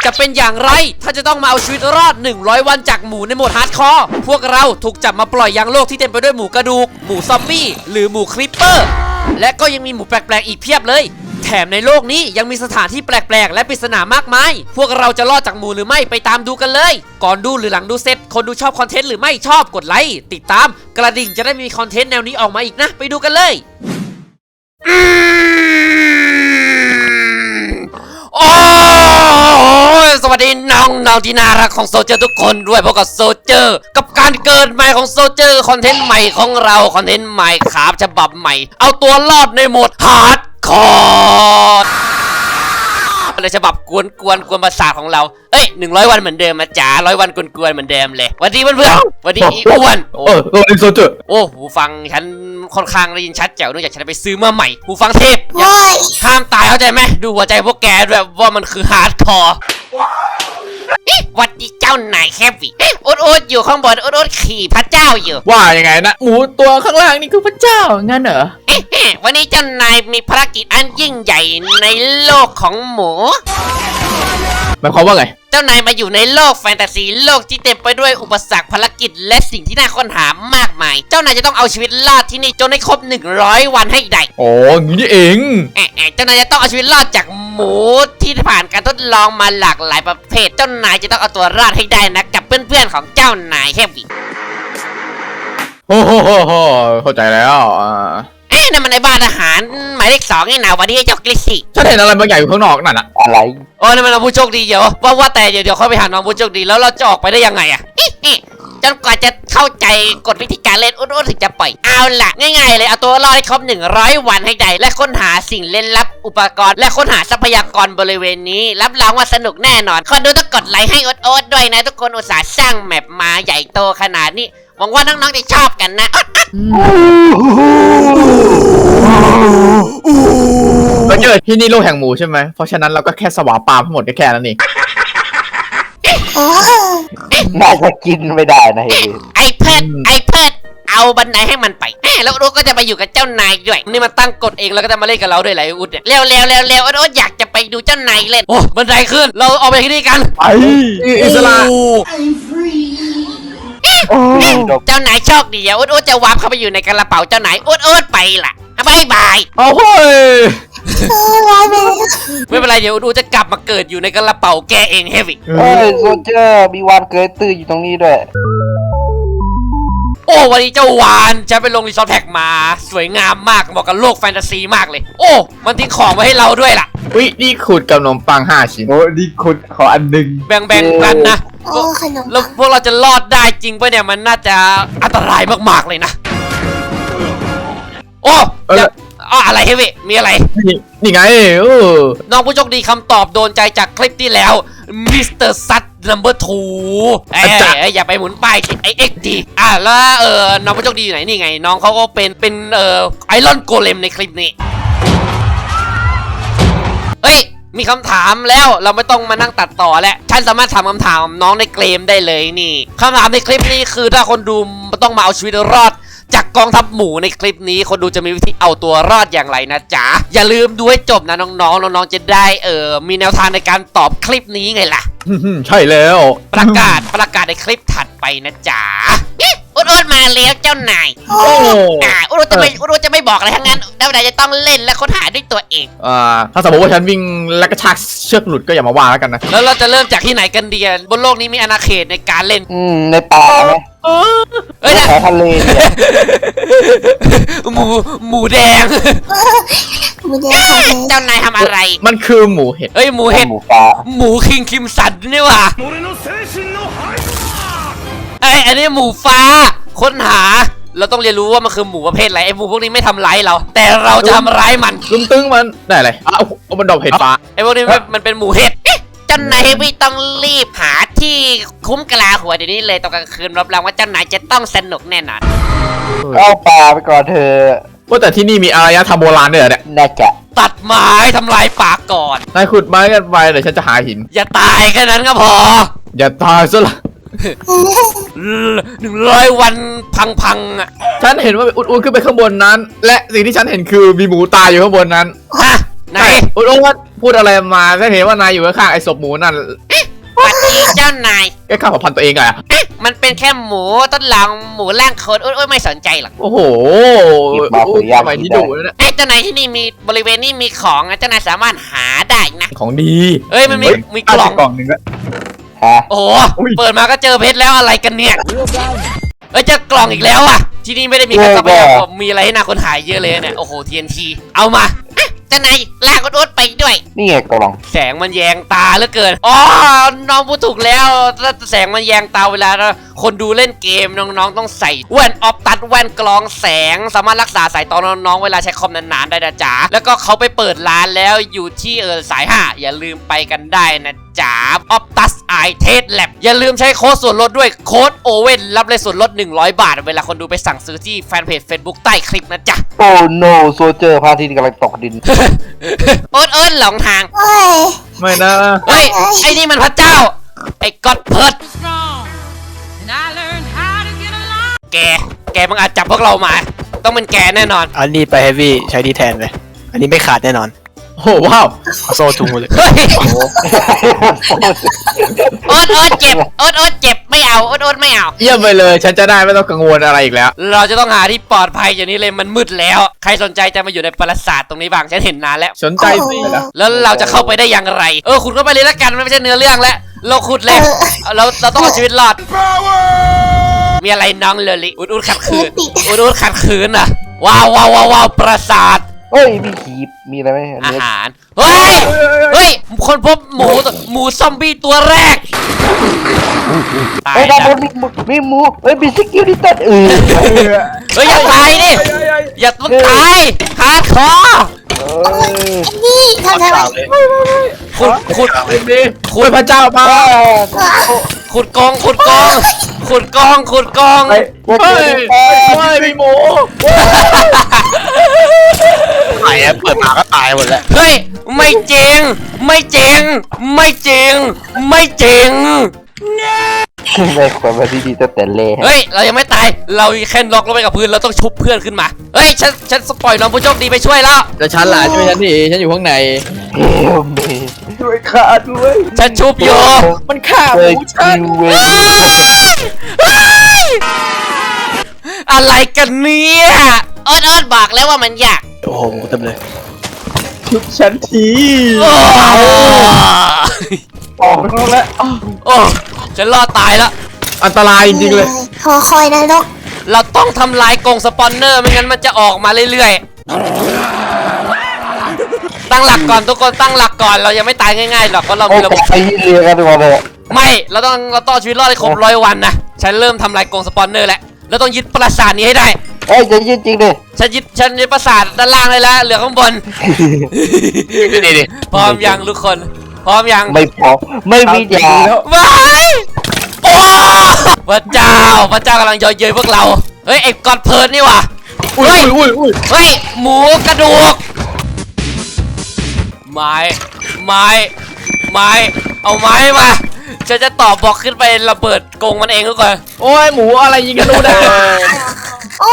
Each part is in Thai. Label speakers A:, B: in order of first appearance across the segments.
A: จะเป็นอย่างไรถ้าจะต้องมาเอาชีวิตรอด100วันจากหมูในโหมดฮาร์ดคอร์พวกเราถูกจับมาปล่อยยังโลกที่เต็มไปด้วยหมูกระดูกหมูซอมบี้หรือหมูคริปเปอร์และก็ยังมีหมูแปลกๆอีกเพียบเลยแถมในโลกนี้ยังมีสถานที่แปลกๆและปริศนามากมายพวกเราจะรอดจากหมูหรือไม่ไปตามดูกันเลยก่อนดูหรือหลังดูเสร็จคนดูชอบคอนเทนต์หรือไม่ชอบกดไลค์ติดตามกระดิ่งจะได้มีคอนเทนต์แนวนี้ออกมาอีกนะไปดูกันเลยโอ้สวัสดีน้องที่น่ารักของโซเจอร์ทุกคนด้วยพบกับโซเจอร์กับการเกิดใหม่ของโซเจอร์คอนเทนต์ใหม่ของเราคอนเทนต์ใหม่ครับฉบับใหม่เอาตัวรอดในโหมดฮาร์ดคอร์ในฉบับกวนประสาทของเราเอ้ย100วันเหมือนเดิมมาจ๋า100วันกวนเหมือนเดิมเลยวันดีเพื่อนๆวันดีอีอ้วน
B: สวัสดีโซเจอร์
A: โอ้หูฟังฉันค่อนข้างได้ยินชัดแจ๋วเนื่องจากฉันไปซื้อมาใหม่หูฟังเทพห้ามตายเข้าใจไหมดูหัวใจพวกแกด้วยว่ามันคือฮาร์ดคอร์วัดดีเจ้านายแคบวิอุดอยู่ข้างบนอุดขี่พระเจ้าอยู่
B: ว่ายังไงนะหมูตัวข้างล่างนี่คือพระเจ้างั้นเหรอ
A: วันนี้เจ้านายมีภารกิจอันยิ่งใหญ่ในโลกของหมู
B: หมายความว่าไง
A: เจ้านายมาอยู่ในโลกแฟนตาซีโลกที่เต็มไปด้วยอุปสรรคภารกิจและสิ่งที่น่าค้นหามากมายเจ้านายจะต้องเอาชีวิตรอดที่นี่จนให้ครบ100วันให้ได้
B: โอ้งี้นี่เอง
A: เจ้านายจะต้องเอาชีวิตรอดจากหมูที่ผ่านการทดลองมาหลากหลายประเภทเจ้านายจะต้องเอาตัวรอดให้ได้นะกับเพื่อนๆของเจ้านายแค่วิ
B: โอ้โหเข้าใจแล้ว
A: นั่นมันในบ้านอาหารหมายเลข2นี่นะวันนี้เจ้ากลิซี่
B: ฉันเห็นอะไรบางอย่างอยู่ข้างนอกนั่นอะ
C: อะไร
A: โอ้นั่นมันน้องผู้โชคดีเดี๋ยวว่าแต่เดี๋ยวเขาไปหาน้องผู้โชคดีแล้วเราจะออกไปได้ยังไงอะจนกว่าจะเข้าใจกฎวิธีการเล่นอุดถึงจะปล่อยเอาล่ะง่ายๆเลยเอาตัวรอดให้ครบ100วันให้ได้และค้นหาสิ่งเล่นลับอุปกรณ์และค้นหาทรัพยากรบริเวณนี้รับรองว่าสนุกแน่นอนคนดูต้องกดไลค์ให้อุดด้วยนะทุกคนอุตส่าห์สร้างแมปมาใหญ่โตขนาดนี้หวังว่าน้องๆจะชอบกันนะ
B: เราเจอที่นี่โลกแห่งหมูใช่ไหมเพราะฉะนั้นเราก็แค่สวาปามทั้งหมดแค่นั้นเอง
C: น่าจะกินไม่ได้นะ
A: ไอ้เพิดเอาบันไดให้มันไปแล้วอุดก็จะไปอยู่กับเจ้านายด้วยนี่มันตั้งกฎเองแล้วก็จะมาเล่นกับเราด้วยแหละอุดเนี่ยเร็วอุดอยากจะไปดูเจ้านายเล่นโอ้บันไดขึ้นเราออกไปที่นี่กัน
B: ไปอิสระ
A: เจ้านายโชคดีอุดจะวาร์ปเข้าไปอยู่ในกระเป๋าเจ้านายอุดไปล่ะบาย
B: โอ้โห
A: ไม่เป็นไรเดี๋ยวอุดจะกลับมาเกิดอยู่ในกระเป๋าแกเองเฮฟวี่
C: โซเจอร์มีวานเกยตื้ออยู่ตรงนี้ด้วย
A: โอ้วันนี้เจ้าวานฉันไปลงรีสอร์ทแท็กมาสวยงามมากเหมาะกับโลกแฟนตาซีมากเลยโอ้มันทิ้งของไว้ให้เราด้วยล่ะ
B: วินี่ขุดกับขนมปัง5 ชิ้นโอ้นี่ขุดขออันหนึ่ง
A: แบ่งกันนะแล้วพวกเราจะรอดได้จริงป่ะเนี่ยมันน่าจะอันตรายมากๆเลยนะโอ้อะไรเฮฟวี่มีอะไร
B: นี่ไง
A: น้องผู้โชคดีคำตอบโดนใจจากคลิปที่แล้วมิสเตอร์ซัตนัมเบอร์2อย่าไปหมุนป้ายไอเอ็กดีแล้วน้องผู้โชคดีอยู่ไหนนี่ไงน้องเขาก็เป็นไอรอนโกเลมในคลิปนี้เฮ้ยมีคำถามแล้วเราไม่ต้องมานั่งตัดต่อแล้วฉันสามารถถามคำถามน้องในเกมได้เลยนี่คำถามในคลิปนี้คือถ้าคนดูต้องมาเอาชีวิตรอดจากกองทัพหมูในคลิปนี้คนดูจะมีวิธีเอาตัวรอดอย่างไรนะจ๊ะอย่าลืมดูให้จบนะน้องๆจะได้มีแนวทางในการตอบคลิปนี้ไงล่ะ
B: ใช่แล้ว
A: ประกาศในคลิปถัดไปนะจ๊ะอุดมาแล้วเจ้านายอุดจะไม่บอกอะไรทั้งนั้นเจ้านายจะต้องเล่นและค้นหาด้วยตัวเอง
B: ถ้าสมมติว่าฉันวิ่งและกระชากเชือกหลุดก็อย่ามาว่าแล้วกันนะ
A: แล้วเราจะเริ่มจากที่ไหนกันดีบนโลกนี้มีอาณาเขตในการเล่น
C: ในป่าไหมในทะเล
A: หมูแดงเจ้านายทำอะไร
B: มันคือหมูเห็ด
A: หมูเห็ดหมูคิงคิมสันนี่ว่ะอันนี้หมูฟ้าค้นหาเราต้องเรียนรู้ว่ามันคือหมูประเภทอะไรไอ้หมูพวกนี้ไม่ทำร้ายเราแต่เราจะทำร้ายมัน
B: ตึงมันได้เลยมันดอกเห็ดฟ้า
A: ไอ้พวกนี้มันเป็นหมูเห็ดเจ้านายไม่ต้องรีบหาที่คุ้มกะลาหัวเดี๋ยวนี้เลยตอนกลางคืนรับรองว่าเจ้านายจะต้องสนุกแน่นอน
C: เอาป่าไปก่อนเธอ
B: ว่าแต่ที่นี่มีอารยธรรมโบราณด้วยเหรอเนี่ย
C: น่าจะ
A: ตัดไม้ทำลายป่าก่อน
B: นายขุดไม้กันไปเดี๋ยวฉันจะหาหิน
A: อย่าตายแค่นั้นก็พอ
B: อย่าตายซะละ
A: 100 วันพังอ่ะ
B: ฉันเห็นว่าอุดขึ้นไปข้างบนนั้นและสิ่งที่ฉันเห็นคือมีหมูตายอยู่ข้างบนนั้น
A: ฮะไหน
B: โอ้โหพูดอะไรมาก็เห็นว่านายอยู่ข้างๆไอ้ศพหมูนั่น
A: สวัสดีเจ้านาย
B: แกฆ่าเผ่าพันธุ์ตัวเองอะ
A: มันเป็นแค่หมูทดลองหมูร่างคนโอ้ยไม่สนใจหรอก
B: โอ้โหทำไมที่ดุนะ
A: ไอ้เจ้านายที่นี่มีบริเวณนี้มีของเจ้านายสามารถหาได้นะ
B: ของดี
A: เอ้ยมันมีกล่อง
B: กล่องหนึ่งละ
C: ฮะ
A: โอ้โห
B: อุ้ย
A: เปิดมาก็เจอเพชรแล้วอะไรกันเนี่ยเอ้ยเจอกล่องอีกแล้วอ่ะที่นี่ไม่ได้มีแค่ทรัพยากรมีอะไรให้น่าค้นหาเยอะเลยเนี่ยโอ้โห TNT เอามาเจ้านายลากอุดไปด้วย
C: นี่ไงกล่อง
A: แสงมันแยงตาเหลือเกินอ๋อน้องพูดถูกแล้วถ้าแสงมันแยงตาเวลาคนดูเล่นเกมน้องๆต้องใส่แว่นออฟตัดแว่นกรองแสงสามารถรักษาสายตาน้องๆเวลาใช้คอมนานๆได้นะจ๊ะแล้วก็เขาไปเปิดร้านแล้วอยู่ที่สาย5อย่าลืมไปกันได้นะจ๊ะออฟตัสไอเทสแลบอย่าลืมใช้โค้ดส่วนลดด้วยโค้ดโอเว่นรับเลยส่วนลด100 บาทเวลาคนดูไปสั่งซื้อที่แฟนเพจ Facebook ใต้คลิปนะจ๊ะ
C: โอ้ no โซเจอร์พระอาทิตย์กำลังตกดิน
A: โอ๊ตหลงทาง
D: เฮ้ย
B: ไม่นะ
A: เฮ้ย ไอ้นี่มันพระเจ้า ไอ้ก็อดเพิร์ด
E: And I learned how to get along.
A: แกมึงอาจจับพวกเรามา ต้องเป็นแกแน่นอน
F: อันนี้ไปเฮฟวี่ใช้ดีแทนเลย อันนี้ไม่ขาดแน่นอน
B: โอ้ว้าว
F: เอาโซ่จุงมาเลย
A: เฮ้ย โอ๊ตเจ็บ โอ๊ตเจ็บ ไม่เอา โอ๊ตไม่เอา
B: เยี่ยมไปเลย ฉันจะได้ไม่ต้องกังวลอะไรอีกแล้ว
A: เราจะต้องหาที่ปลอดภัยอย่างนี้เลย มันมืดแล้ว ใครสนใจจะมาอยู่ในปราสาทตรงนี้บ้าง ฉันเห็นนานแล้ว
B: สนใจสิ
A: แล้วเราจะเข้าไปได้อย่างไร ขุดเข้าไปเลยละกัน มันไม่ใช่เนื้อเรื่องแล้ว เราขุดเลย เราต้องเอาชีวิตรอด มีอะไรน้องเลลิอุดขัดขืน อุดขัดขืนอ่ะ ว้าวปราสาท
C: เฮ้ย มีขีบมีอะไรไหม
A: อาหาร เฮ้ย คนพบหมูซอมบี้ตัวแรก ตาย
C: เฮ้ยด้าน
A: แล้ว
C: บนมีหมูเฮ้ยมีสกิลดิตัน
A: เฮ้ยอย่าตายดิ อย่าต้องตายฮาร์ดคอร์
D: นี่ทำไม
A: ขุด
B: คุยพระเจ้ามา
A: ขุดกอง
B: เฮ้ยไม่มีหมู
F: ตายเปิดมาก็ตายหมดแล้ว
A: เฮ้ย ไม่จริง
C: ไม่ควรมาที่ดีตั้งแต่เล่
A: เฮ้ย เรายังไม่ตาย เราแค่น็อกลงไปกับพื้น เราต้องชุบเพื่อนขึ้นมา เฮ้ย ฉันสปอยน้องผู้โชคดีไปช่วยแล้ว
B: แล้วฉันล่ะช่วยฉันทีฉันอยู่ข้างใน
C: เฮ้ยช่วยข้าด้วย
A: ฉันชุบอยู่
B: มันฆ่าห
C: เฮ้ย
B: มูฉัน
C: คิวเว้ย
A: อะไรกันเนี่ยโอ๊ตบอกแล้วว่ามันยาก
F: โอ้โหหมูเต็มเลย
B: ชุบฉันที
A: โอ้
B: ออกแล้ว
A: โอ้ฉันรอดตายแล้ว
B: อันตรายจริงๆเลย
D: หอคอยนรก
A: เราต้องทำลายกรงสปอนเนอร์ไม่งั้นมันจะออกมาเรื่อยๆ ตั้งหลักก่อนทุกคนตั้งหลักก่อนเรายังไม่ตายง่ายๆหรอกเพราะเรา
C: โอ้
A: มีระบบ
C: ไอ้ยี่เรียกันดีกว่าเลย
A: ไม่เราต้องเอาชีวิตรอดให้ครบ100 วันนะฉันเริ่มทำลายกรงสปอนเนอร์แล้วเราต้องยึดปราสาทนี้ให้ได้
C: เฮ้ยจะยืดจริงดิ
A: ฉันยึดปราสาทด้านล่างได้แล้วเหลือข้างบน
F: นี่ดิ
A: พร้อมยังทุกคนพร้อมยัง
C: ไม่พอไม่มียา
A: ว้ายโอ้พระเจ้ากำลังเย่อเย้ยพวกเรา เฮ้ยไอ้กอดเพิร์ดนี่ว่ะ
B: อุ้ย
A: เฮ้ยหมูกระดูก ไม้เอาไม้มาฉันจะต่อบอกขึ้นไประเบิดกรงมันเองทุกคน
B: โอ้ยหมูอะไรยิงกันดูได้
D: โอ้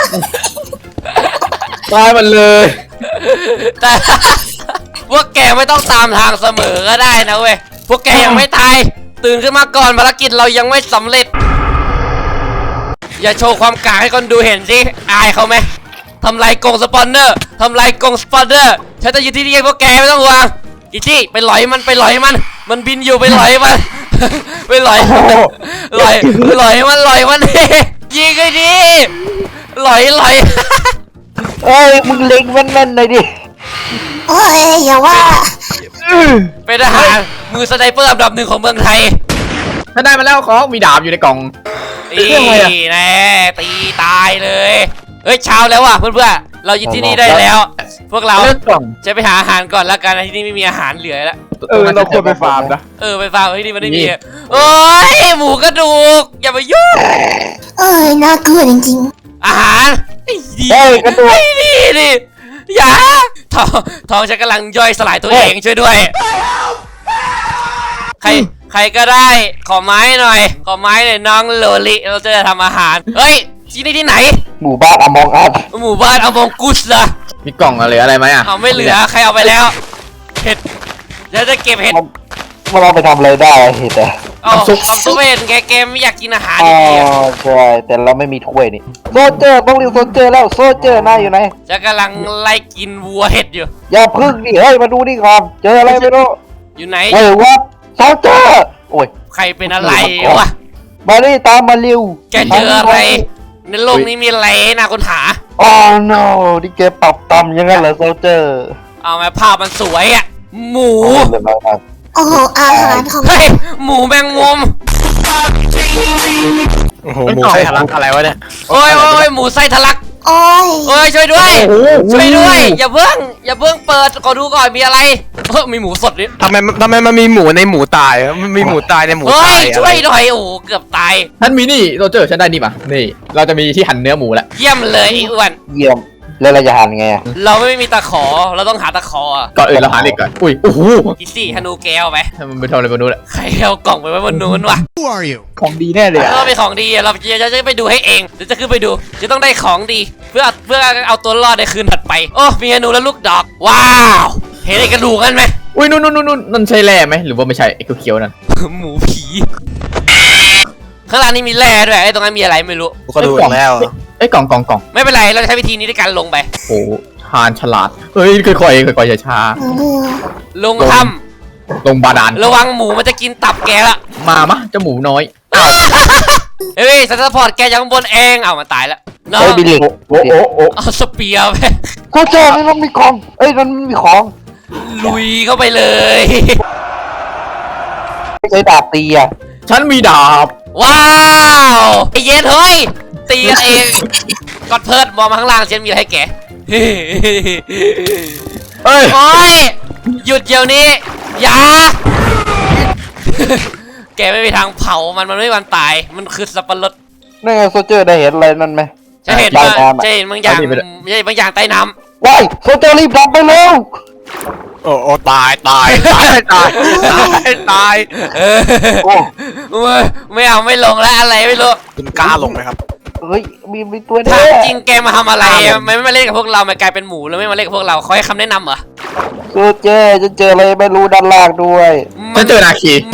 B: ตายมันเลย
A: แต่ พวกแกไม่ต้องตามทางเสมอก็ได้นะเว้ยพวกแกยังไม่ตายตื่นขึ้นมาก่อนภารกิจเรายังไม่สำเร็จ อย่าโชว์ความกากให้คนดูเห็นสิอายเขาไหมทำลายกรงสปอนเนอร์ฉันจะอยู่ที่นี่พวกแกไม่ต้องห่วงอีจี้ไปหลอยมันมันบินอยู่ไปหลอยมัน ไปหลอยมัน ยิงไอ้ดิหลอย
C: เอ้ยมึงเล็งแม่นๆหน่อยดิ
D: เอ้ยอย่าว่า
A: เป็นทหารมือสไนเปอร์อันดับ 1ของเมืองไทย
B: ถ้าได้มาแล้วของมีดาบอยู่ในกล่อง
A: นี่
B: เรื่องอะไรอะ
A: แน่ตีตายเลยเฮ้ยเช้าแล้วว่ะเพื่อนๆเราอยู่ที่นี่ได้แล้ว พวกเรา
B: เลือกกล่อง
A: จะไปหาอาหารก่อนแล้วกันที่นี่ไม่มีอาหารเหลือแล้ว
B: เราควรไปฟาร์มนะ
A: ไปฟาร์มที่นี่มันไม่มี
B: นี่
A: โอ้ยหมูกระดูกอย่ามายุ่ง
D: เอ้ยน่ากลัวจริง
A: อาหารไอ้ดี
C: เฮ้ยกระดูก
A: ไอ้นี่ดิอย่าท้องฉันกำลังย่อยสลายตัวเองช่วยด้วยใครก็ได้ขอไม้หน่อยน้องโลลิเราจะทำอาหารเฮ้ยที่นี่ที่ไหน
C: หมู่บ้านอมองอัด
A: หมู่บ้านอมองกุสเหรอ
B: มีกล่องอะไรไหมอ่ะ
A: เอาไม่เหลือใครเอาไปแล้วเห็ดเดี๋ยวจะเก็บเห็ด
C: มันเอาไปทำอะไรได้เห็ดอะ
A: เอาซุปเห็ดแกไม่อยากกินอาหาร
C: อ๋อ
A: ดี
C: ใช่แต่เราไม่มีถ้วยนี่โซเจอร์ต้องเรียกโซเจอร์แล้วโซเจอร์นายอยู่ไหน
A: ๆจะกำลังไล่กินวัวเห็ดอยู่
C: อย่าพึ่งดิเฮ้ยมาดูนี่ก่อนเจออะไรไม่รู้
A: อยู่ไหน
C: เฮ้ยวัดโซเจอร์โอ้ย
A: ใครเป็นอะไรวะ
C: มานี่ตามมาเร็ว
A: แกเจออะไรในโลกนี้มีอะไรน่าค้นหา
C: อ๋อ no นี่แกปรับตำอยังไงเหรอโซเจอร์
A: เอามาภาพมันสวยอ่ะหมู
D: โอ้โหอาหารของ
A: เฮ้ยหมูแมงมุม
F: โอ้โหหมูไส้ทะลักอะไรวะเนี่ย
A: โอ้ยหมูไส้ทะลัก
D: โอ้ย
A: โอ้ยช่วยด้วย
B: โอ้โห
A: ช่วยด้วยอย่าเพิ่งเปิดขอดูก่อนมีอะไรมีหมูสดนี่
F: ทำไมมันมีหมูในหมูตายอะมันมีหมูตายในหมู
A: เฮ้
F: ตาย ย
A: ช่วยหน่อยโอ้โหเกือบตาย
B: ท่านมีนี่โรเจอร์ฉันได้นี่มานี่เราจะมีที่หั่นเนื้อหมูแล้ว
A: เยี่ยมเลยไอ้อ้วน
C: เยี่ยมแล้วเราจะหันไงอะ
A: เราไม่มีตะขอเราต้องหาตะขออะ
B: ก่อนอื่นเราหาเหล็กก่อนอุ้ยโอ้โห
A: กิซี่ฮานูแก้วไป
B: มันไปทำอะไรบนนู้นแหละ
A: ใครเอากล่องไปไว้บนนู้นวะ
C: ของดีแน่เลยอะ
A: ก็เป็นของดีเราจะไปดูให้เองเดี๋ยวจะขึ้นไปดูจะต้องได้ของดี เพื่อเอาตัวรอดในคืนถัดไปโอ้มีฮานูและลูกดอกว้าวเห็นไอ้กระดูกกันไหม
B: อุ้ยนู่นนั่นใช่แร่ไหมหรือว่าไม่ใช่ไอ้เขียวๆนั่น
A: หมูผีข้างล่างนี่มีแร่ด้วยไอ้ตรงนั้นมีอะไรไม่รู้
F: ก็ดูแล้ว
B: ไอ้ยกล่อง
A: ไม่เป็นไรเราจะใช้วิธีนี้ในการลงไป
B: โอ้ทานฉลาดเฮ้ยค่อยๆช้า
D: เบื่อ
A: ลงถ้
B: ๆลงบาดาล
A: ำระวังหมูมันจะกินตับแกละ
B: มเจ้าหมูน้อย
A: เฮ้ยซัพพอร์ตแกจากข้างบนเองเอามันตายแล้วน้อง
C: เฮ้ยบิลลี่
B: โอ้
A: เอาสเปียร์ไป
C: โซเจอร์นี่มันมีของเอ้ยมันมีของ
A: ลุยเข้าไปเลย
C: ไม่ใช่ดาบตีอะ
B: ฉันมีดาบ
A: ว้าวไอเย็นเฮ้ยตีกันเองกดเพิร์ดมองมาข้างล่างเชนมีอะไรให้แก
B: เอ้ย
A: โอ้ยหยุดเดี๋ยวนี้อย่า แกไม่มีทางเผามันไม่มีวันตายมันคือสับปะรด
C: นี่นไงโซเจอร์ได้เห็นอะไรนั่นไหม
A: จะเห็น
C: ใต้
A: ว่า
C: น้ำอะ
A: จะเห็นบางอย่างจะเห็นบางอย่างใต้น้ำ
C: ว้ายโซเจอร์รีบดับไปเร็ว
F: โอ้ตาย
A: เออ
C: โอ้
A: ไม่เอาไม่ลงแล้วอะไรไม่รู้
F: คุณกล้าลงไหมครับ
C: เฮ้ยมีตัว
A: ถา
C: นี้
A: มจริงแกมาทำอะไรไม่มาเล่นกับพวกเรามากลายเป็นหมูแล้วไม่มาเล่นกับพวกเราเขาให้คำแนะนำเหรอ
C: โซเจอร์จะเจออะไรไม่รู้ด้านล่างด้วย
B: ฉันเจอนาคี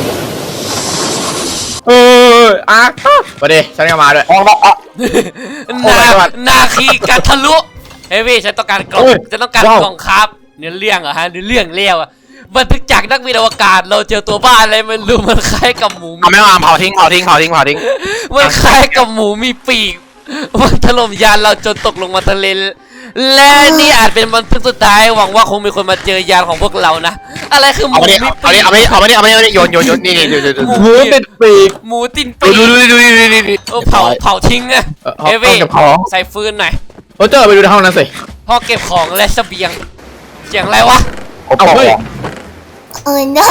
B: มาดิฉันก็มาด้วย
C: มองละอ่ะ
A: นาคีกัทะลุเฮ้ยพี่ฉันต้องการกล่อง
B: โอ้ย
A: ฉันต้องการ
B: ว้าว
A: กล่องครับเนื้อเรื่องเหรอฮะเนื้อเรื่องเลี้ยวอะบันทึกจากนักบินอวกาศเราเจอตัวบ้านอะไรไม่รู้มันคล้ายกับหมู
F: เอาไม่เอาเผาทิ้ง
A: มันคล้ายกับหมูมีปีกมันถล่มยานเราจนตกลงมาทะเลและนี่อาจเป็นบันทึกสุดท้ายหวังว่าคงมีคนมาเจอยานของพวกเรานะอะไรคือหมู
F: เอาไป
A: มี
F: ดิ
A: ปีก
F: เอาไปดิโยนนี่ดู
B: หมูติดปีก
A: หมูตินปีก
F: ดู
A: เผาทิ้งอะ
B: เอา
A: เฮ้ยพี่
B: เก็บของ
A: ใส่ฟืนหน่อย
B: โรเจอร์ไปดูในห้องนั้นสิ
A: พ่อเก็บของและเสบียงเสียงอะไรวะ
B: เอาเฮ้ย
D: โอ้ย no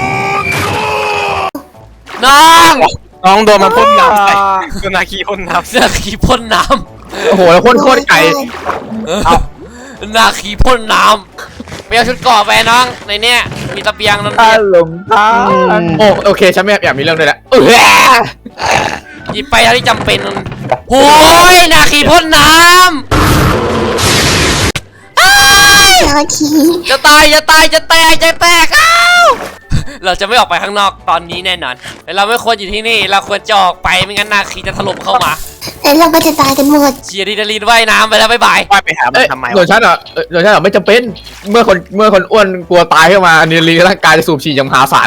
A: น้อง
F: น้องโดนมันพ่นน้ำใส่คือนาคีพ่นน้ำ
A: เสื้อขีพ่นน้
B: โอ้โหแล้วโคตรไก่
A: ำนาขีพ่นน้ำไปเอาชุดเกราะไปน้องในเนี้ยมีตะเบียงนั่น
B: หลงทางโอเคฉันไม่อยากมีเรื่องด้วยแหละ
A: หยิบไปเท่าที่จำเป็นโอ้ยนาขีพ่นน้ำอ้าย
D: นาคี
A: จะตายจะแตกอ้าวเราจะไม่ออกไปข้างนอกตอนนี้แน่นอนเราไม่ควรอยู่ที่นี่เราควรจะออกไปไม่งั้นนาคีจะถล่มเข้ามา
D: แล้วเราก็จะตายกันหมด
A: เชียร์ดีนาลีนว่ายน้ำไปแล้วบ๊ายบาย
F: ว่ายไปหามันทำไม
B: ส่วนฉันอ่ะไม่จำเป็นเมื่อคนอ้วนกลัวตายขึ้นมานี่ลีร่างกายจะสูบฉีดอย่างมหาศาล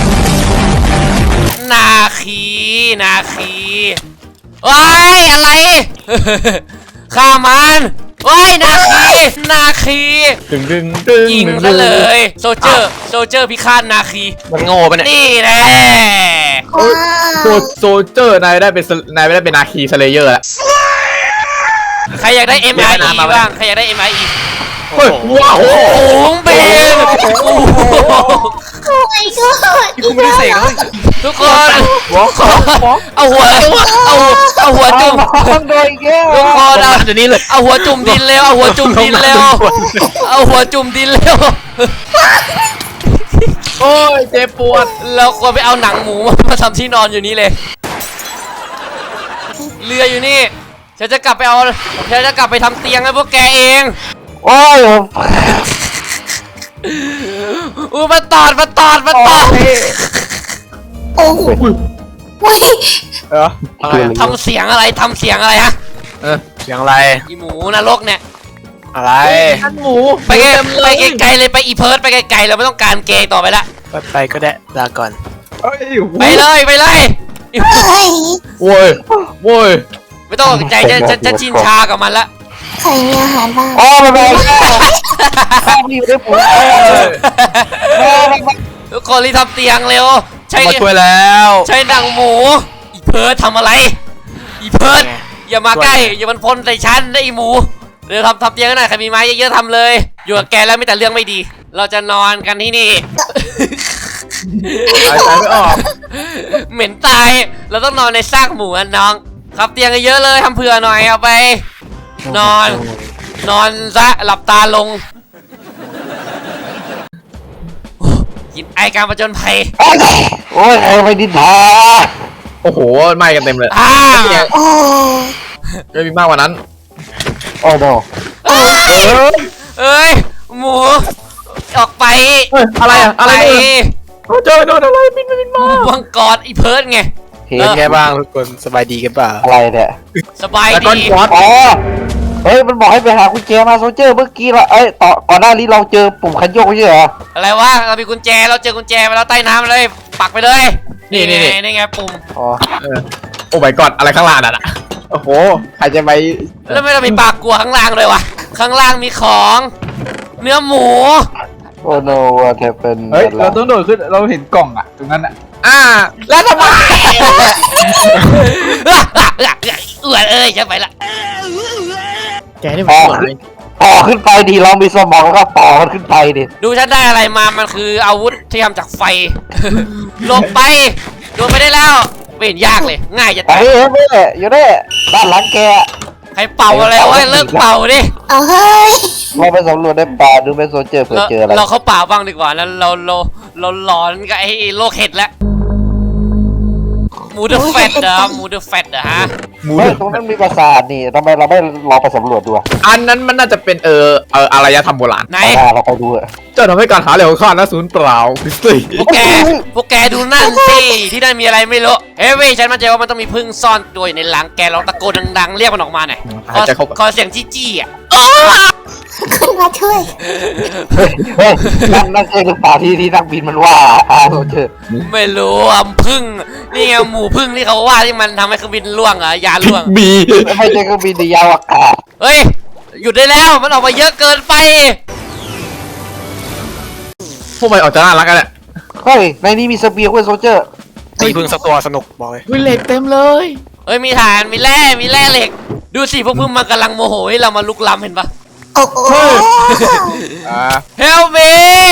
A: นาคีว้ายอะไร ฆ่ามันว้ายนาคี
B: ดึง
A: ยิงซะเลยโซเจอร์พิฆาตนาคี
F: มันโง่ปะเนี่ย
A: นี่แน่
D: ว้าว
B: โซเจอร์นายได้เป็นนาคีสเลเยอร์แล้ว
A: ใครอยากได้ MIE บ้างใครอยากได้ MIE
B: เฮ้ยว้าว
A: โอ้โหเบนโอ้โห
D: โอ้ยก็
F: กูไม่ได้เสกเลย
A: ทุกคนเอาหัวจุ่ม
C: ต้องโดนอีกแล้ว
A: ทุกคนเอา
F: เดี๋ยวนี้เลย
A: เอาหัวจุ่มดินเร็วเอาหัวจุ่มดินเร็วเอาหัวจุ่มดินเร็ว
B: โอ้ยเจ็บปวด
A: เราควรไปเอาหนังหมูมาทำที่นอนอยู่นี่เลยเรืออยู่นี่ฉันจะกลับไปทำเตียงให้พวกแกเอง
C: โอ้ย
A: มันตอด
D: โอ้โหเว้ย
A: ทำเสียงอะไรฮะ
F: เสียงอะไร
A: อีหมูนรกเนี่ย
F: อะไร
B: ท่านหมู
A: ไปไกลๆเลยไปอีเพิร์ดไปไกลๆเราไม่ต้องการเกย์ต่อไปละ
F: ไปก็ได้ลาก่อน
A: ไปเลย
D: เฮ้ย
B: โว้ยโว้ย
A: ไม่ต้องตกใจจะชินชากับมันละ
D: ใครมีอาหารบ้าง
C: โอ้ไม่เป็นไรข้าวอยู่ในผม
A: ทุกคนรีบทำเตียงเร็วใช่
F: มาช่วยแล้ว
A: ใช่หนังหมูอีเพิร์ดทำอะไรอีเพิร์ดอย่ามาใกล้อย่ามันพ่นใส่ฉันนะอีหมูเดี๋ยวทำเตียงกันหน่อยใครมีไม้เยอะๆทำเลย อยู่กับแกแล้วมีแต่เรื่องไม่ดี เราจะนอนกันที่นี่
B: หายใจไม่ออก
A: เหม็นตาย เราต้องนอนในซากหมูอะน้องครับเตียงเยอะๆเลยทำเผื่อหน่อยเอาไป นอนซะหลับตาลงโอ้กินไอการประจนภัย
C: โอ้ยใครไปดินทา
B: โอ้โหไหม้กันเต็มเลย
D: โอ้
B: ไม่มีมากกว่านั้น
C: โอ้โห
A: เอ้ยหมูออกไป
B: เฮ้ยอะไรอะอะไร
A: ไป
B: เนี่ยเจอโดนอะไรบินมา
A: วังกอดอีเพิร์ดไง
F: เป็นไงบ้างทุกคนสบายดีกันเปล่า
C: อะไรเนี่ย
A: สบาย
B: แต่ก้อน
A: ดี
B: ควอต
C: อ๋อเฮ้ยมันบอกให้ไปหากุญแจมาโซเจอร์เมื่อกี้เราก่อนหน้านี้เราเจอปุ่มคันโยกไม่ใช่เหรอ
A: อะไรวะเรามีกุญแจเราเจอกุญแจไปแล้วใต้น้ำเลย ปักไปเลย
B: นี่
A: ไงปุ่ม
C: อ๋อ
B: โอ้ my god อะไรข้างล่างน่ะโอ้โหใครจะไป
A: แล้วไม่ต้องมีปากกลัวข้างล่างเลยวะข้างล่างมีของ เนื้อหมู
C: โอ้โนว่าแทเป็น
G: เฮ้ย เราต้องโดดขึ้น เราเห็นกล่องอ่ะ ตรงนั้นอ่ะ
B: แล้วทำไม
A: เอื่อยเอ้ยจะไปละ
B: แกนี่มันสวย
C: ต่อขึ้นไปดีเรามีสมองแล้วก็ต่อมันขึ้นไปดิ
A: ดูฉันได้อะไรมามันคืออาวุธที่ทำจากไฟ ลงไปโดนไปได้แล้วไม่เห็นยากเลยง่ายจะ
C: ไอ้
A: ตาย
C: เฮ้ยแม่อยู่เนี่ยด้านหลังแก
A: ใครเป่าอะไรวะเลิกเป่าดิ
D: เอาเฮ้ย
C: เราไปสำรวจในป่าดูไปโซเจอร์เผื่อเจออะไร
A: เราเขาเป่าบ้างดีกว่าแล้วเราหลอนกับไอ้โรคเห็ดแล้วหมูเดอะแฟตเหรอหมูเดอะแฟตเหรอฮะ
C: เฮ้ยตรงนั้นมีปราสาทนี่ทำไมเราไม่ลองไปสำรวจดูอะ
B: อันนั้นมันน่าจะเป็นอารยธรรมโบราณ
A: ไหน
C: เราไปดูอะ
B: เจ้าทำให้การหาเหลวข้านะศูนย์เปล่าคริสตี้
A: พวกแกดูนั่นสิที่นั่นมีอะไรไม่รู้เฮ้ยเว้ยฉันมั่นใจว่ามันต้องมีพึ่งซ่อนตัวอยู่ในหลังแกลองตะโกนดังๆเรียกมันออกมาหน่อย
B: หายใจเข้า
A: ขอเสียงจี้ๆอ่ะ
D: ขึ้นมาช่วย
C: เฮ้ยนั่นใช่หรือเปล่าที่นักบินมันว่าโซเจอร์
A: ไม่รู้อ่ะพึ่งนี่ไงหมูพึ่งที่เขาว่าที่มันทำให้เครื่องบินล่วงอ่ะยานล่วง
B: บี
C: ไม่ใช่เครื่องบินในยาวอากาศ
A: เฮ้ยหยุดได้แล้วมันออกมาเยอะเกินไป
B: พวกมันออกจะน่ารักกันแหละ
C: เฮ้ยในนี้มีเสบียงเว้ยโซเจอร์
F: ตีพึ่งสักตัวสนุกบอกเลย
B: วิเหล็กเต็มเลย
A: เฮ้ยมีฐานมีแร่เหล็ก ดูสิพวกพึ่งมันกำลังโมโหให้เรามาลุกล้ำเห็นปะ
D: โอ้โห
A: Help me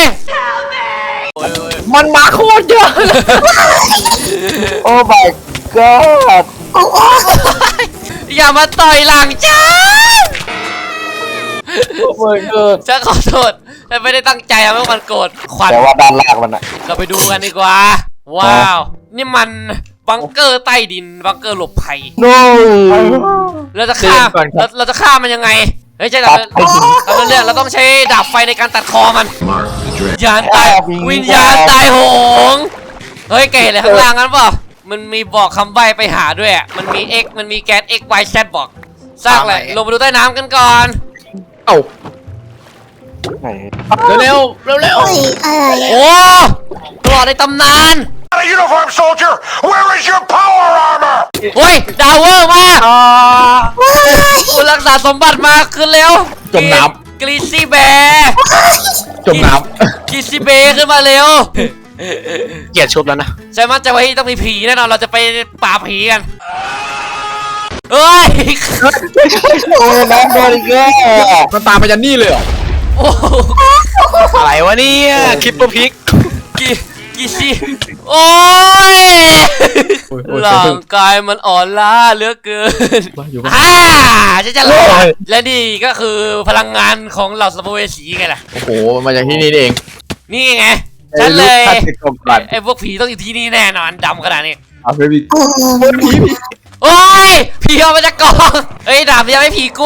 B: มันมาโคตรเยอะ
C: โอ้ my god
D: โอ้โห
A: อย่ามาต่อยหลังฉัน
B: โอ้ my god
A: ฉันขอโทษฉันไม่ได้ตั้งใจทำให้มันโกรธขวัญ
C: แต่ว่าด้านล่างมันอะ
A: เราไปดูกันดีกว่า ว้าว นี่มันบังเกอร์ใต้ดินบังเกอร์หลบภัย
C: โน้
A: เราจะฆ่าเราจะฆ่ามันยังไงเฮ้ยใช่แต่เราเรื่องเราต้องใช้ดาบไฟในการตัดคอมันวิญญาณตายวิญญาณตายโหงเฮ้ยเก๋เลยข้างล่างนั้นป่ะมันมีบอกคำใบ้ไปหาด้วยอ่ะมันมี X มันมีแก๊ส X Y Z บอกสร้างอะไรลงไปดูใต้น้ำกันก่อน
B: เอ้า
C: ไหน
B: เร็ว
D: เฮ้ยอะไร
A: โอ้ตลอดในตำนาน
H: Uniform soldier, where is your power armor?
A: เฮ้ยดาวเวอร์มาคุณรักษาสมบัติมาขึ้นเร็วกรีซี่แบร์
B: จมน้
A: กรีซี่เบร์ขึ้นมาเร็ว
F: เกลียดชุบแล้วนะ
A: ใช่มั้ยจะไว้ต้องมีผีแน่นอนเราจะไปป่าบผีกันเฮ้ย
C: โอ้ยน้ำโดนอีกแล้ว
B: ำมันตามไปยันนี่เลยเหรอ
A: โอ้โห
F: อะไรวะเนี่ยคลิปเปอร์พิก
A: กี่สิโอ้ยร่างกายมันอ่อนล้าเหลือเกินฉันจะรอดและนี่ก็คือพลังงานของเหล่าสัมภเวสีไงล่ะ
B: โอ้โหมาจากที่นี่เอง
A: นี่ไงฉันเลย
G: ถ้าติดกล่องก่อน
A: ไอ้พวกผีต้องอยู่ที่นี่แน่นอนดำขนาดนี้
G: เอาไปบิน
D: โอ้โห
A: โอ้ยผีออกมาจากกล่องเฮ้ยดาบยังไม่ผีกลัว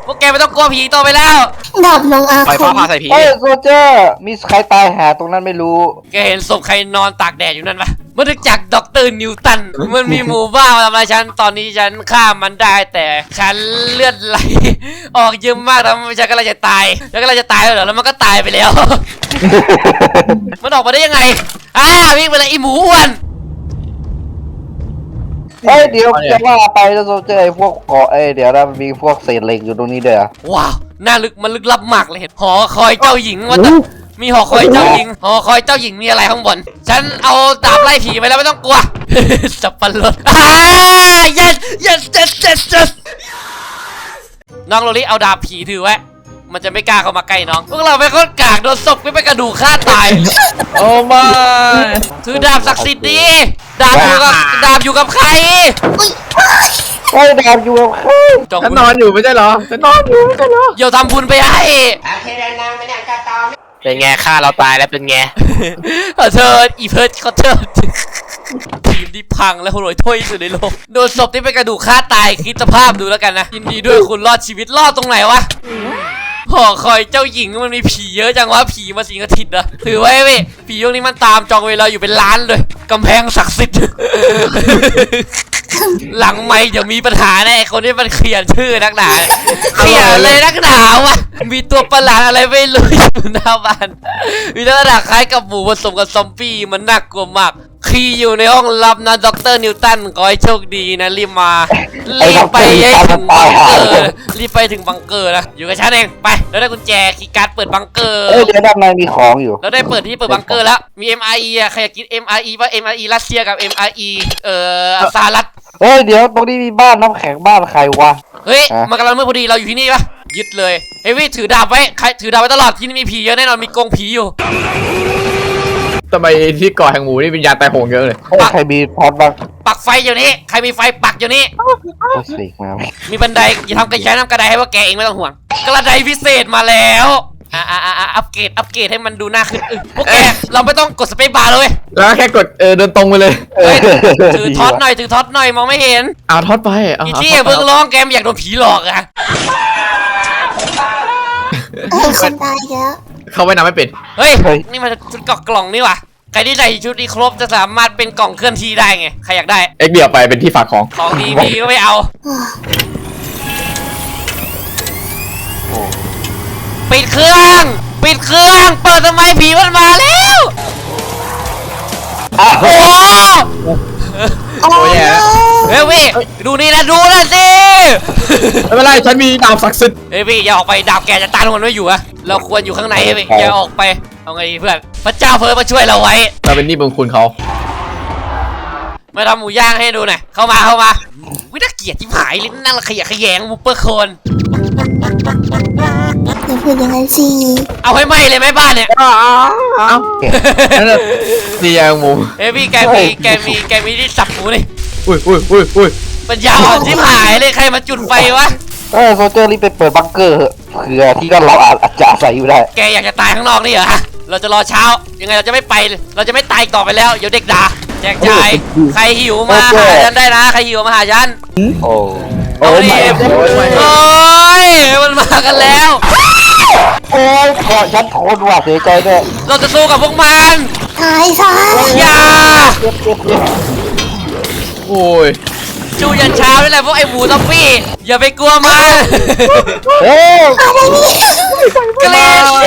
A: พวกแกไม่ต้องกลัวผีต่อไปแล้ว
D: ดาบน้องอา
F: ปล่อย
D: ค
F: ฟ้าม ผ่าใส่ผี
C: เฮ้ยโซเจอร์มีใครตายหาตรงนั้นไม่รู้
A: แกเห็นศพใครนอนตากแดดอยู่นั่นปะมันถึงจากด็อกเตอร์นิวตัน มันมีหมู่บ้านมาทำอะไรฉัน ตอนนี้ฉันฆ่ามันได้แต่ฉันเลือดไหล ออกเยอะมากแล้วฉันก็เลยจะตาย แล้วก็เลยจะตายแล้วเหรอแล้วมันก็ตายไปแล้ว มันออกมาได้ยังไงวิ่งไปเลยไอหมูอ้วน
C: เฮ้ยเดี๋ยวจะว่าไปแล้วโซเจอร์ไอ้พวกเกาะเดี๋ยวนะมันมีพวกเศษเหล็กอยู่ตรงนี้เด้อ
A: ว้าวน่าลึกมันลึกลับมากเลยเห็นหอคอยเจ้าหญิงว่าแต่มีหอคอยเจ้าหญิง หอคอยเจ้าหญิงมีอะไรข้างบน ฉันเอาดาบไล่ผีไปแล้วไม่ต้องกลัว สับปะรดyes น้องโรลี่เอาดาบผีถือไว้ มันจะไม่กล้าเข้ามาใกล้น้อง พวกเราไปนคนกากโดนศพไม่เป็นกระดูกฆ่าตาย
B: โอ้ไม่
A: ถือดาบศักดิ์สิทธิ์ดีดาบอยู่กับใคร
C: เฮ้ยดาบอยู่กับใคร
A: จอง
B: ฉัน
A: บุญ
B: นอนอยู่ไม่ใช่เหรอฉันนอนอยู่ไม่ใช่เหรอ
A: เดี๋ยวทำบุญไปให้
F: เป็นไงฆ่าเราตายแล้วเป็นไง
A: ขอโทษอีเพิร์ดขอโทษทีมที่พังและโหยถ้วยที่สุดในโลกโดนศพที่เป็นกระดูกฆ่าตายคิดสภาพดูแล้วกันนะยินดีด้วยคุณรอดชีวิตรอดตรงไหนวะหอคอยเจ้าหญิงมันมีผีเยอะจังวะผีมาสิงสถิตนะถือไว้เว้ยผีพวกนี้มันตามจองเวลาอยู่เป็นล้านเลยกำแพงศักดิ์สิทธิ์ หลังไม่เดี๋ยวมีปัญหาแน่คนที่มันเขียนชื่อนักหนาเขียนเลยนักหนาวะมีตัวประหลาดอะไรไม่รู้อยู่หน้าบ้านมีลักษณะคล้ายกับหมูผสมกับซอมบี้มันน่ากลัวมากคีย์อยู่ในห้องลับนะด็อกเตอร์นิวตันขอให้โชคดีนะรีบมารีบไปให้ถึงบังเกอร์รีบไปถึงบังเกอร์นะอยู่กับฉันเองไปแล้วได้กุญแจคีย์การ์ดเปิดบังเกอร์
C: เดี๋ยวด้านในมีของอยู่
A: แล้วได้เปิดที่เปิดบังเกอร์แล้วมี MRE อ่ะใครอยากกิน MRE ป่ะ MRE รัสเซียกับ MRE สหรัฐ
C: เฮ้ยเดี๋ยวตรงนี้มีบ้านน้ำแข็งบ้านใครวะ
A: เฮ้ยมันกำลังมืดพอดีเราอยู่ที่นี่ปะยึดเลยเฮ้ยถือดาบไว้ใครถือดาบไว้ตลอดที่นี่มีผีเยอะแน่นอนมีกรงผีอยู่
B: ทำไมที่เกาะแห่งหมูนี่วิญญาณตายโหงเยอะเลย
C: เฮ้ยใครมีพอดบ้าง
A: ปักไฟอยู่นี่ใครมีไฟปักอยู่นี่
C: โอ้ยสิมา
A: มีบันไดอย่าทำกระยายน้ำกระไดให้ว่าแกเองไม่ต้องห่วงกระไดพิเศษมาแล้วอัปเกรดให้มันดูน่าขึ้นพวกแกเราไม่ต้องกดสเปซบาร์เลย
B: แล้วก็แค่กดเดินตรงไปเลย
A: เฮ้ยถือท็อตหน่อยมองไม่เห็น
B: เอาทอดไปเอา
A: อีที่เพิ่งร้องแกมอยากโดนผีหลอกอะ
D: คนตายแล้ว
B: เขาไว้นำไม่เป็น
A: เฮ้ยนี่มันชุดกล่องนี่ว่ะใครที่ใส่ชุดนี้ครบจะสามารถเป็นกล่องเคลื่อนที่ได้ไงใครอยากได้
B: เอ็กเดียวไปเป็นที่ฝากของ
A: ของดีมีก็ไม่เอาปิดเครื่องเปิดทำไมผีมันมาแล้วโอ้โห
B: โอ้ยแย่แล้ว
A: เฮ้ยพี่ดูนี่นะดูนะสิ
B: ไม่เป็นไรฉันมีดาบศักดิ์สิทธิ์
A: เฮ้ยพี่อย่าออกไปดาบแกจะต้านมันไม่อยู่อะเราควรอยู่ข้างในพี่อย่าออกไปเอาไงดีเพื่อนพระเจ้าเพิ่มมาช่วยเราไว้
B: เราเป็นหนี้บุญคุณเขา
A: มาทำหมูย่างให้ดูหน่อยเข้ามาวิน่าเกลียดที่หายลิ้นนั่งขยะแขยงมูเปอร์โคน
D: อย่าพูดอย่างนั้นสิ
A: เอาให้ไหมเลยไหมบ้านเนี่ย
B: เอ้านั่นน่ะดีอย่างหมู
A: เฮ้ยพี่แกมีที่สับหมูนี่
B: อุ้ย
A: ปัญญาอ่อนที่หายเลยใครมาจุดไฟวะ
C: โซเจอร์รีบไปเปิดบังเกอร์เถอะเผื่อที่ก็เราอาจจะอาศัยอยู่ได้
A: แกอยากจะตายข้างนอกนี่เหรอเราจะรอเช้ายังไงเราจะไม่ไปเราจะไม่ตายต่อไปแล้วเดี๋ยวเด็กด่าแจกจ่ายใครหิวมาหาฉันได้นะใครหิวมาหาฉัน
C: โอ้
A: เอาดิโอ้ยมันมากันแล้ว
C: โอ้ยเกาะฉันทนว่ะเสียใจด้วย
A: เราจะสู้กับพวกมัน
D: ตายซะ
A: อย่า
C: เจ็บ
B: โอ้ย
A: จูยันเช้านี่แหละพวกไอ้หมูซอมบี้อย่าไปกลัวมัน
C: เฮ้ย
D: อะไรเนี่ย
A: เกลียดสิ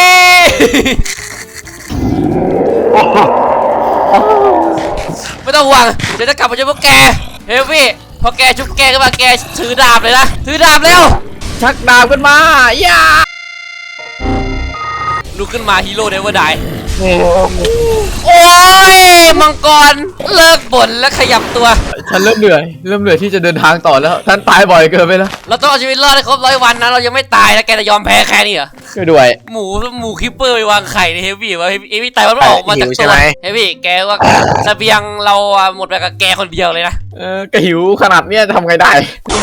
A: ไม่ต้องห่วงเดี๋ยวจะกลับมาช่วยพวกแกเฮ้ยพี่พอแกชุบแกขึ้นมาแกถือดาบเลยนะถือดาบเร็ว
B: ชักดาบขึ้นมาอย่า
A: ลุกขึ้นมาฮีโร่เนเวอร์ได
C: นี่
A: โอ้ยมังกรเลิกบ่นและขยับตัว
B: ฉันเริ่มเหนื่อยที่จะเดินทางต่อแล้วท่านตายบ่อยเกินไปแล้ว
A: เราต้องเอาชีวิตรอดให้ครบ100 วันนะเรายังไม่ตายนะแกจะยอมแพ้แค่นี้เหรอ
B: ช่วยด้วย
A: หมูคิปเปอร์ไปวางไข่ในเฮฟวี่วะเฮฟวี่ตายมันออกมาจากตัวเฮฟวี่แกว่าเสบียงเราหมดไปกับแกคนเดียวเลยนะ
B: ก็หิวขนาดเนี้ยจะทำไงได้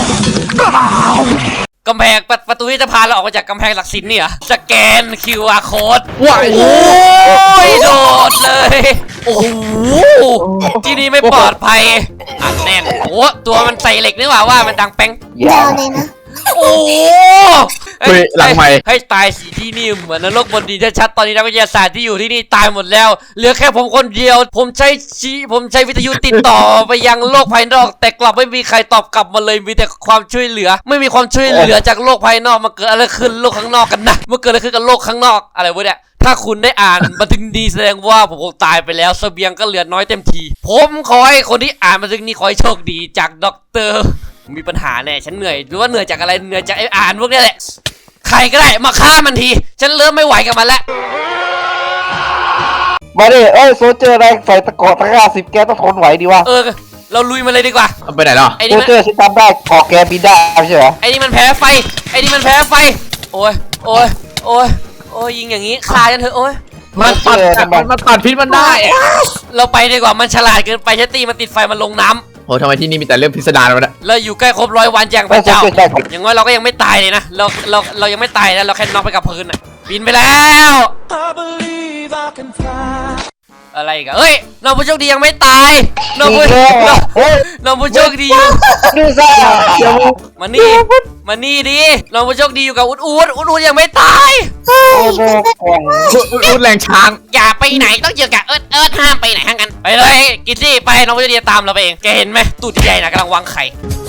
A: กำแพงประตูที่จะพาเราออกมาจากกำแพงหลักสินเนี่ยสแกน QR code
B: ว้าย
A: โอ้ยโดดเลยโอ้โหที่นี่ไม่ปลอดภัยอัดแน่นโอ้ตัวมันใส่เหล็กนี่หว่ามันดังแป้ง
C: ยาย
D: าว วเลยนะ
A: โอ้โห
B: เฮ้ยหลังใหม่
A: ให้ตายสิที่นี่เหมือนนรกบนดินชัดๆตอนนี้นักวิทยาศาสตร์ที่อยู่ที่นี่ตายหมดแล้วเหลือแค่ผมคนเดียวผมใช้วิทยุติดต่อไปยังโลกภายนอกแต่กลับไม่มีใครตอบกลับมาเลยมีแต่ความช่วยเหลือ ไม่มีความช่วยเหลือจากโลกภายนอกมาเกิดอะไรขึ้นโลกข้างนอกกันนะมันเกิดอะไรขึ้นกับโลกข้างนอกอะไรวะเนี่ยถ้าคุณได้อ่านบันทึกดีแสดงว่าผมคงตายไปแล้วเสบียงก็เหลือน้อยเต็มทีผมขอให้คนที่อ่านบันทึกนี้ขอให้โชคดีจากด็อกเตอร์มีปัญหาแน่ฉันเหนื่อยหรือว่าเหนื่อยจากอะไรเหนื่อยจากไอ้อ่านพวกนี้แหละใครก็ได้มาฆ่ามันทีฉันเริ่มไม่ไหวกับมันแล้ว
C: มาดิโซเจอร์แรงใส่ตะกอตะกร้า10 แกต้องทนไหวดีวะ
A: เราลุยมันเลยดีกว่า
B: เอาไปไหนแล้ว
A: ไอ้
C: โซ
A: นี่มัน
C: เจอร์ฉันจำได้กอแกบินได้ไม่ใช่เหรอ
A: ไอ้นี่มันแพ้ไฟไอ้นี่มันแพ้ไฟโอ้ยโอ้ยโอ้ยโอ้ยยิงอย่างนี้ฆ่ากันเถอะโอ้ย
B: มันตัดพิษมันได้อะ
A: เราไปดีกว่ามันฉลาดเกินไปฉันตีมันติดไฟมันลงน้ำ
B: โหทำไมที่นี่มีแต่เรื่องพิสดารวะเนี่ย
A: เราอยู่ใกล้ครบ100 วันอย่างพ
C: ไม่
A: ระ
C: โซ
A: เจ้า
C: เจอร์ใช่ครับ
A: อย่างน้อยเราก็ยังไม่ตายเลยนะเรายังไม่ตายนะเราแค่น็อกไปกับพื้นอ่ะบินไปแล้ว อะไรอีกันเฮ้ยน้องผู้โชคดียังไม่ตายน้องผู้
C: เฮ้ย
A: น้องผู้โชคดีอยู่
C: ดูซะ
A: มานี่ดิน้องผู้โชคดีอยู่กับอูดยังไม่ตาย
C: โอ้โหกล่อง
B: รูดแรงช้าง
A: อย่าไปไหนต้องเจอกับเอิร์ธห้ามไปไหนห้างกันไปเลยกินสิไปน้องผู้โชคดีตามเราไปเองแกเห็นไหมตูดใหญ่นะกำลังวางไข่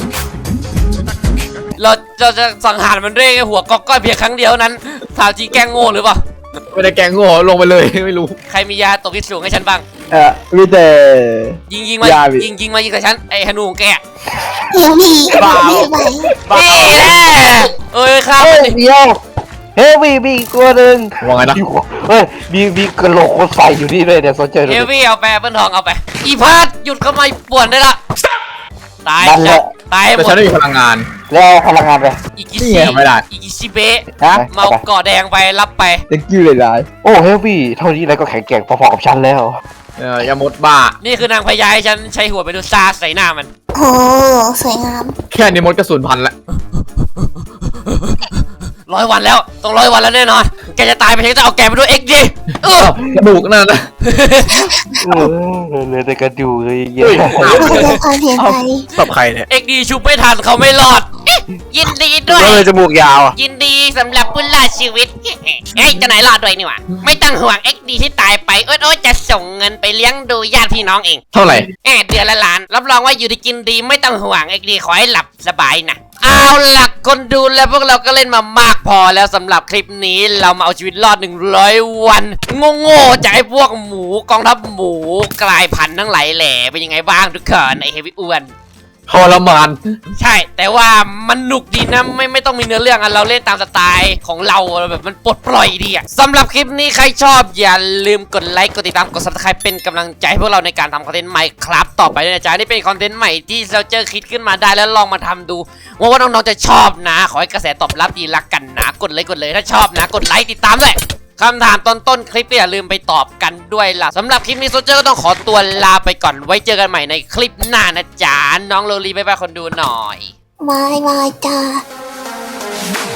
A: เราจะสังหารมันด้วยหัวก๊อกก้อยเพียงครั้งเดียวนั้นถามจริงแกล้งโง่หรือเปล่า
B: ไม่ได้แกงโง่ลงไปเลย ไม่รู้
A: ใครมียาตกที่สูงให้ฉันบ้าง
G: มีแต่
A: ยิงมา
G: ยาพี่
A: ยิงมายิงกับฉันไอ้ฮนูของแก
D: ยังมีไม่ไหว
A: เอ้ยข้า
C: เฮ้
A: มั
C: ย
A: นดิ
C: เดียวเฮ้ยมีอีกตัวหนึ่ง
B: ว่าไงนะ
C: เฮ้ยมีกระโหลกคนใส่อยู่นี่เลยเนี่ยโซเจอร์
A: เฮฟวี่เอาไปเปิ้ลทองเอาไปอีพาดหยุดเข้ามาป่วนได้ละตาย
C: นั่นแหละ
A: ตายหม
B: แต่
A: ด
B: ฉันไม่มีพลังงาน
C: แล้วพลังงานไป
A: อีกิ
B: นี่
A: ซิ
B: ไงไม่ได้
A: อีกิซิเบะ
C: ฮะ
A: เมาเกาะแดงไปรับไป
G: ตะกิ้วเลยร้าย
C: โอ้เฮลวี่เท่านี้แล้วก็แข็งแกร่งพอๆกับฉันแล้ว
B: ยามดบ้า
A: นี่คือนางพญาให้ฉันใช้หัวไปดูซาใส่หน้ามัน
D: โอ้สวยงาม
B: แค่นี้มดกระสุนพันละ
A: 100 วันแล้วต้อง100 วันแล้วแน่นอนแกจะตายไปฉันจะเอาแกไปด้วยเอ็กซ์ดิ
B: กระดูกนั่นนะ
C: เลยแต่กระดูกเลยเย
B: เฮ้ย
C: อะ
D: ขอแสดงความเสียใจ
B: กับใครเนี่ย
A: เอ็กซ์ดีชุบไม่ทันเขาไม่รอดยินดีด้วย
C: ก็เลยจมูกยาวอ่ะ
A: ยินดีสำหรับผู้รอดชีวิต เฮ้ยจะไหนรอดด้วยนี่หว่าไม่ต้องห่วง XD ที่ตายไปโอ๊ยจะส่งเงินไปเลี้ยงดูญาติพี่น้องเอง
B: เท่าไหร่
A: เดือนละล้านรับรองว่าอยู่ดีกินดีไม่ต้องห่วง XD ขอให้หลับสบายนะเอาล่ะคนดูแล้วพวกเราก็เล่นมามากพอแล้วสำหรับคลิปนี้เรามาเอาชีวิตรอด100 วันโง่ๆจากไอ้พวกหมูกองทัพหมูกลายพันธุ์ทั้งหลายแหล่เป็นยังไงบ้างทุกคนไอ้เฮฟวี่อ้วน
B: ทรมาน
A: ใช่แต่ว่ามันหนุกดีนะไม่ต้องมีเนื้อเรื่องอะเราเล่นตามสไตล์ของเราแบบมันปลดปล่อยดีอะสำหรับคลิปนี้ใครชอบอย่าลืมกดไลค์กดติดตามกด Subscribe เป็นกำลังใจให้พวกเราในการทำคอนเทนต์ใหม่ครับต่อไปด้วยนะจ๊ะนี่เป็นคอนเทนต์ใหม่ที่เราเจอคิดขึ้นมาได้แล้วลองมาทำดูว่าน้องๆจะชอบนะขอให้กระแสตอบรับดีรักกันนะกดเลยถ้าชอบนะกดไลค์ติดตามด้วยคำถามต้นคลิปก็อย่าลืมไปตอบกันด้วยล่ะสำหรับคลิปนี้โซเจอร์ก็ต้องขอตัวลาไปก่อนไว้เจอกันใหม่ในคลิปหน้านะจ๊ะน้องโลลีบ๊ายบายคนดูหน่อย
D: บายจ้า